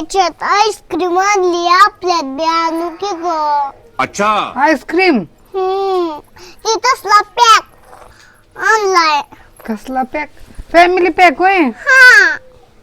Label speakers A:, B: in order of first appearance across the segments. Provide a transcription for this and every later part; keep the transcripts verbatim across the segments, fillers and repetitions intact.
A: आमच्यात आईस्क्रीम आणली आपल्यात बी आणू की ग.
B: अच्छा
C: आईस्क्रीम
A: हम्म ती तसला पॅक आणलाय.
C: कसला पॅक? फॅमिली पॅक होय.
A: हा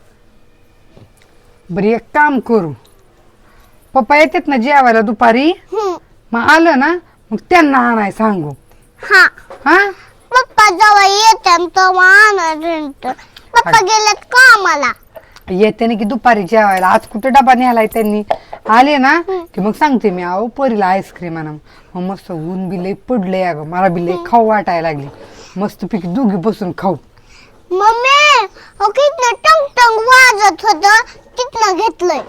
C: बरं एक काम करू, पप्पा येतात ना जेवायला दुपारी,
A: हम्म
C: मग आलं ना मग त्यांना आणाय सांगू.
A: हा
C: हा
A: पप्पा जेव्हा येतात तेव्हा आणणार. पप्पा गेलेत कामाला.
C: येते ना की दुपारी जेवायला. आज कुठे डबा न्यायलाय त्यांनी. आले ना की मग सांगते मी, अहो परीला आईस्क्रीम आणा. मग मस्त ऊन बी लई पडलंय अगं, मला बी लई खाऊ वाटायला लागली. मस्त पैकी दोघी बसून खाऊ.
A: मम्मी हो कितनं टंग टंग वाजत होत तिथनं घेतलंय.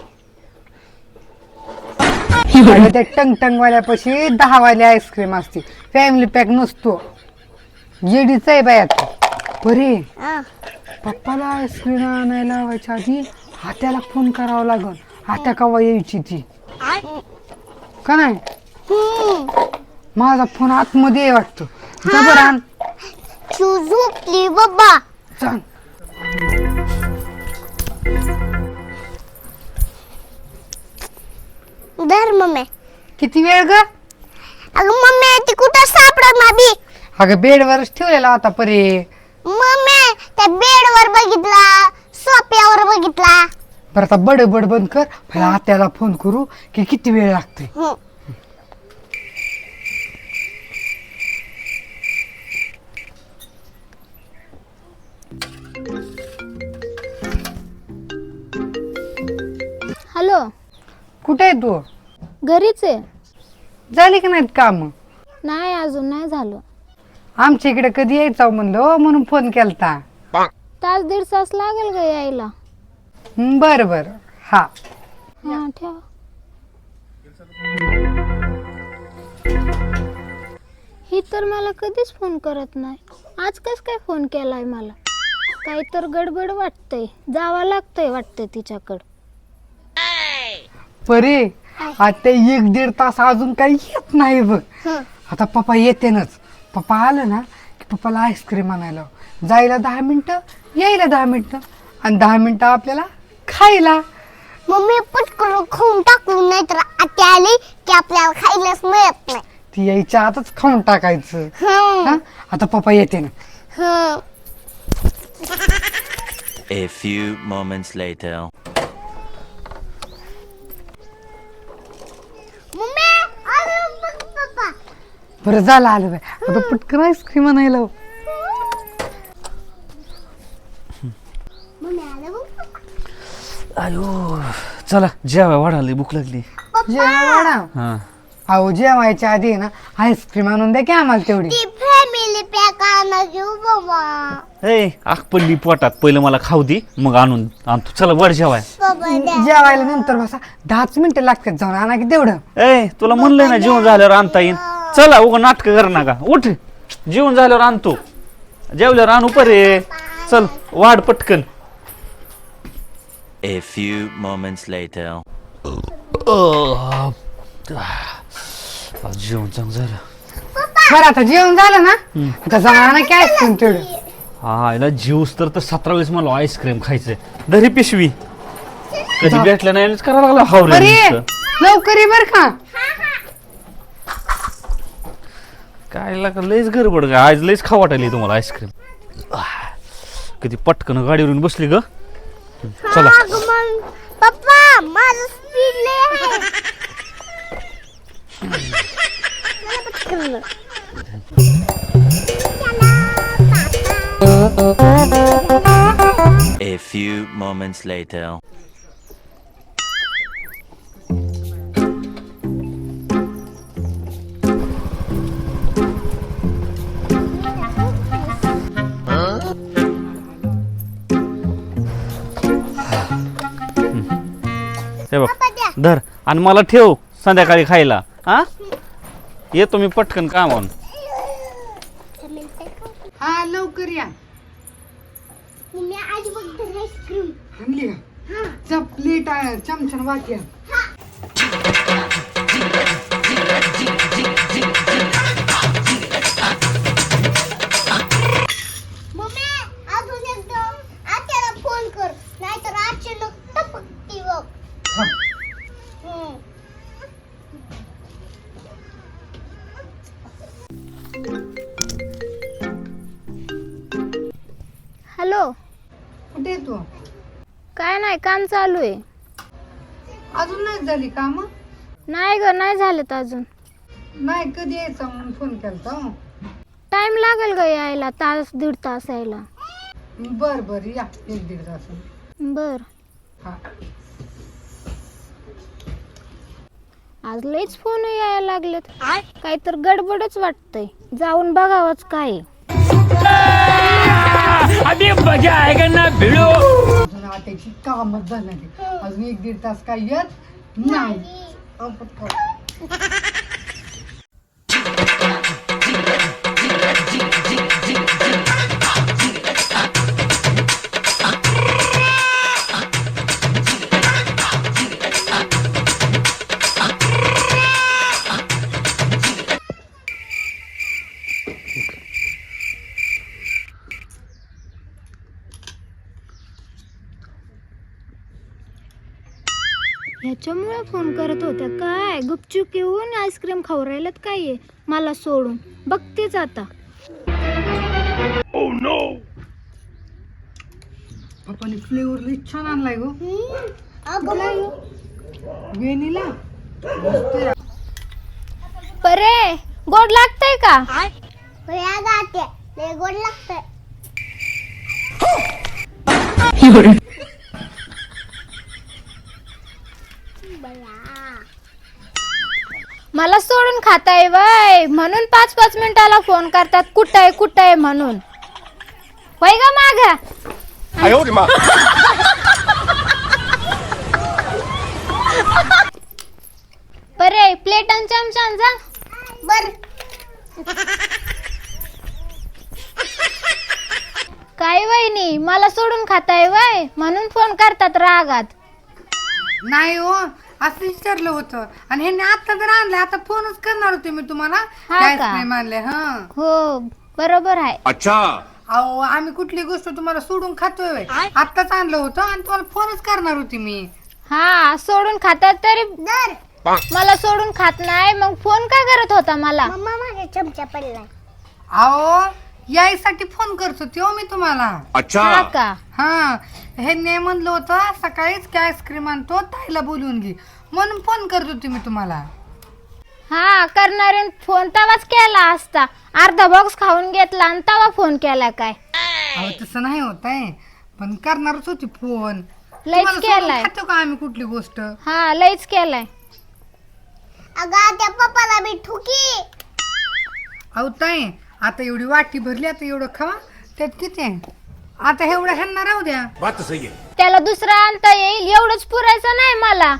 C: अगं त्या टंग टंग वाल्यापाशी दहा वाली आईस्क्रीम असते, फॅमिली पॅक नसतो. येडीच आहे बायात परी.
A: हा.
C: पप्पाला आईस्क्रीम आणायला लावायच्या आधी हात्याला फोन करावा लागल. हात्या कवा यायची ती का नाही.
A: हम्म
C: माझा फोन आतमध्ये आहे वाटतो. जबर आण.
A: तू झोपली बाबा.
C: सांग.
A: धर मम्मी.
C: किती वेळ ग?
A: अगं मम्मी ती कुठं सापडणार बी.
C: अगं बेडवरच ठेवलेला होता परी.
A: मम्मी त्या बेडवर बघितला, सोफ्यावर बघितला.
C: बरं आता बडबड बंद कर. पहिला हात्याला फोन करू की किती वेळ लागते.
A: हम्म.
D: हॅलो,
C: कुठे आहे तू?
D: घरीच आहे.
C: झाली की नाहीत काम?
D: नाही अजून नाही झालं.
C: आमच्या इकडे कधी यायचं म्हणलं म्हणून फोन केलता.
D: तास दीड तास लागेल ग यायला.
C: हं, बरं बरं. हा
D: हा ठेव. ही तर मला कधीच फोन करत नाही. आज कस काय फोन केलाय मला? काही तर गडबड वाटतंय. जावं लागतंय वाटतंय तिच्याकडं.
C: परी आता एक दीड तास अजून काही येत नाही बघ. आता पप्पा येतेनच. पप्पा आलं ना की पप्पाला आईस्क्रीम आणायला जायला दहा मिनिटं, यायला दहा मिनिटं, आणि दहा मिनिटं आपल्याला खायला.
A: मम्मी पटकन खाऊन टाकू नाही तर आत्या आली की आपल्याला खायलाच मिळत नाही.
C: ती यायच्या आतच खाऊन टाकायचं.
A: हम्म.
C: हा? आता पप्पा येते ना.
A: हम्म.
E: A few moments later.
A: Mummy आलो बघ पप्पा.
C: बरं झालं आलं बाय. आता पटकन आईस्क्रीम आणायला.
A: मम्मी आलो बघ पप्पा.
B: अयो चला जेवाय वाढाली भूक लागली.
C: जेवायला
B: हा
C: अहो जेवायच्या आधी ना आईस्क्रीम आणून द्या की आम्हाला तेवढी.
A: ती फॅमिली पॅक आणा घेऊ बाबा.
B: ए आग पडली पोटात, पहिलं मला खाऊ दे मग आणून आणतो. चला वर जेवाय.
A: बाबा द्या.
C: जेवायला नंतर बसा दहाच मिनिटं लागतात जाऊन आणा की तेवढं.
B: ए तुला म्हणलंय ना जेवण झाल्यावर आणता येईन. चला उगा नाटक कर नका. उठ जेवण झाल्यावर आणतो. जेवल्यावर आणू परे. चल वाढ पटकन.
E: A few moments later.
B: आज जेवण चांगलं झालं.
C: बरं आता जेवण झालं ना आता जाऊन आणा की आईस्क्रीम तेवढं.
B: हा याला जीवस तर तर सतरा वेळेस मला आईस्क्रीम खायचंय. धरी पिशवी कधी भेटलं नाही करायला लागला हावरे
C: अरे
B: नुसतं.
C: लवकर ये बर का.
B: काय लागा लयच गडबड ग. आज लयच खाऊ वाटायली तुम्हाला आईस्क्रीम. कधी पटकन गाडीवरून बसली ग. चला
A: अगं मग पप्पा माझं स्पीड लय आहे. चला पटकन.
E: A few moments later.
B: हे बघ धर आणि मला ठेव संध्याकाळी खायला. हा येतो मी पटकन कामावून.
C: हा लवकर या.
A: मम्मी आज बघ तर आईस्क्रीम.
C: आणली का? जा प्लेट आहे चमचन वाट्या.
A: मम्मी अजून एकदम आत्याला फोन कर नाहीतर अचानक टपकती बघ.
C: कुठे आहे तू?
D: काय नाही, काम चालू आहे.
C: अजून नाही झाली काम?
D: नाही ग, नाही झालेत अजून.
C: नाही, कधी यायचा म्हणून फोन केलता.
D: टाइम लागेल ग यायला, तास दीड तास यायला.
C: बर बर या, एक दीड तास.
D: बर.
C: हा.
D: आज लईच फोन यायला लागलेत. काही तर गडबडच वाटतंय. जाऊन बघावंच काय.
C: अजून आट्याची कामच झालं नाही. अजून एक दीड तास काय येत नाही. अहो, पटकन.
D: ह्याच्यामुळे फोन करत होत्या काय? गुपचूप येऊन आईस्क्रीम खाऊ राहिल्यात काय आहे मला सोडून. बघतेच आता.
C: पप्पाने फ्लेवर लई छान आणलाय गो. वेनिला
D: परे, गोड लागतंय का?
A: या गाते लय गोड लागतंय.
D: मला सोडून खाताय वय म्हणून पाच पाच मिनिटाला फोन करतात. कुठं आहे कुठं आहे म्हणून. होय ग माग. परे, प्लेट आणि चमचा आण जा.
A: बर.
D: काय वहिनी, मला सोडून खाताय वय म्हणून फोन करतात रागात.
C: नाही हो, असं विचारलं होतं. आणि ह्यांनी आता जर आणलं, आता फोनच करणार होते मी तुम्हाला.
D: हा का?
C: आईस्क्रीम आणले. हा.
D: हो बरोबर आहे.
C: अहो, आम्ही कुठली गोष्ट तुम्हाला सोडून खातोय व्हय? आत्ताच आणलं होतं आणि तुम्हाला फोनच करणार होती मी.
D: हा, सोडून खातात तरी
A: दर
D: मला सोडून खात नाही. मग फोन का करत होता मला?
A: मम्मा माझ्या चमचा पडलाय.
C: अहो, यायसाठी फोन करत होती हो मी तुम्हाला.
D: हा का?
C: हा, हे ने म्हणलं होतं सकाळीच की आईस्क्रीम आणतो, ताईला बोलवून घे म्हणून फोन करत होती मी तुम्हाला.
D: हा, करणारे फोन तवाच केला असता. अर्धा बॉक्स खाऊन घेतला आणि तवा फोन केला काय?
C: अहो, तसं नाही होत आहे, पण करणारच होती फोन.
D: लईच
C: तुम्हाला सोडून
D: केलाय.
C: खातो का आम्ही कुठली गोष्ट?
D: हा, लईच केलाय.
A: अगं त्या पप्पाला बी ठुकी.
C: अहो ताई, आता एवढी वाटी भरली, आता एवढं खावा. त्यात किती आहे? आता एवढं ह्यांना राहू द्या.
D: त्याला दुसरा आणता येईल एवढंच पुरायचं नाही मला.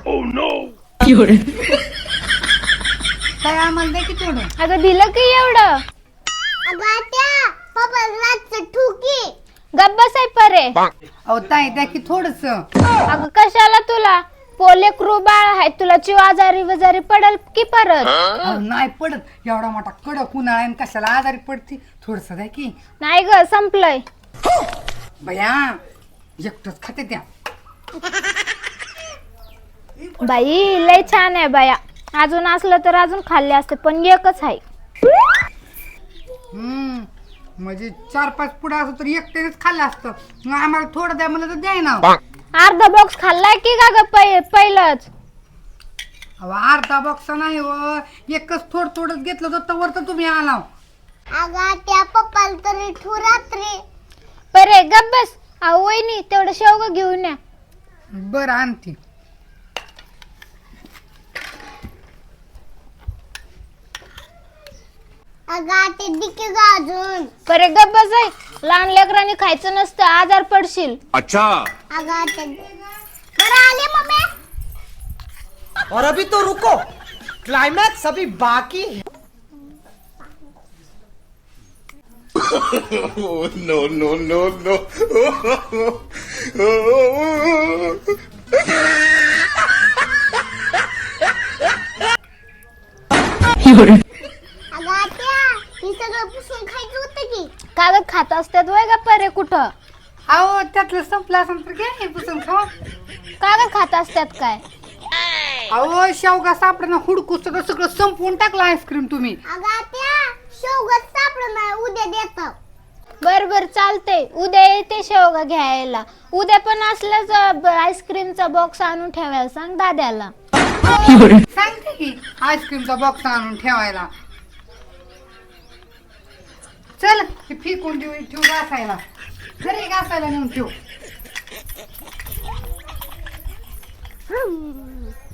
C: काय आम्हाला द्या की तेवढं.
D: अगं दिलं की एवढं.
A: अगं त्या पप्पाला रातचं ठुकी.
D: गब्बस आहे परे.
C: अहो ताई, द्या की थोडस.
D: अगं कशाला तुला? पोले क्रू बाळ आहे, तुला चिव आजारी वजारी पडल की परत.
C: नाही पडत. एवढा मोठा कडक उन्हाळा आहे आणि कशाला आजारी पडती. थोडस द्या की.
D: नाही ग, संपलंय.
C: बया, एकटच खाते त्या.
D: बाई लय छान आहे बाया. अजून असलं तर अजून खाल्ले असते, पण एकच आहे.
C: हम्म, म्हणजे चार पाच पुढे असं तर एकट्यानेच खाल्लं असतं. मग आम्हाला थोडं द्या म्हणलं तर द्याय ना.
D: अर्धा बॉक्स खाल्लाय की का ग पहिलंच?
C: अहो, अर्धा बॉक्स नाही हो, एकच थोडं थोडंच घेतलं तर तवर तर तुम्ही आला.
A: अगं त्या पप्पाला तरी ठू रात्री.
D: परे गब्बस. अहो वहिनी, तेवढं शेवगा घेऊन या.
C: बरं आणते.
A: अगं ते दिके ग अजून.
D: परे गब्बस आहे. लहान लेकरांनी खायचं नसतं, आजार पडशील.
A: अगं ते बरं आले मम्मी.
F: और अभी तो रुको, क्लाइमैक्स अभी बाकी है.
G: no, no, no, no.
A: अगं त्या हे सगळं पुसून खायचं होतं की.
D: कागद खात असतात वय ग परे कुठं?
C: अहो, त्यातलं संपलं असेल तर घ्या हे पुसून खावा.
D: कागद खात असतात काय?
C: अहो, शेवगा सापडा हुडकूस तर सगळं संपवून टाकलं आईस्क्रीम तुम्ही.
A: अगं त्या शेवगात सापडं नाही, उद्या देतो.
D: बर बर चालते, उद्या येते शेवगा घ्यायला. उद्या पण असलंच आईस्क्रीमचा बॉक्स आणून ठेवायला सांग दाद्याला.
C: सांगते की आईस्क्रीमचा बॉक्स आणून ठेवायला. चल ते फेकून देऊ ठेवू घासायला. घरी घासायला नेऊन ठेवू.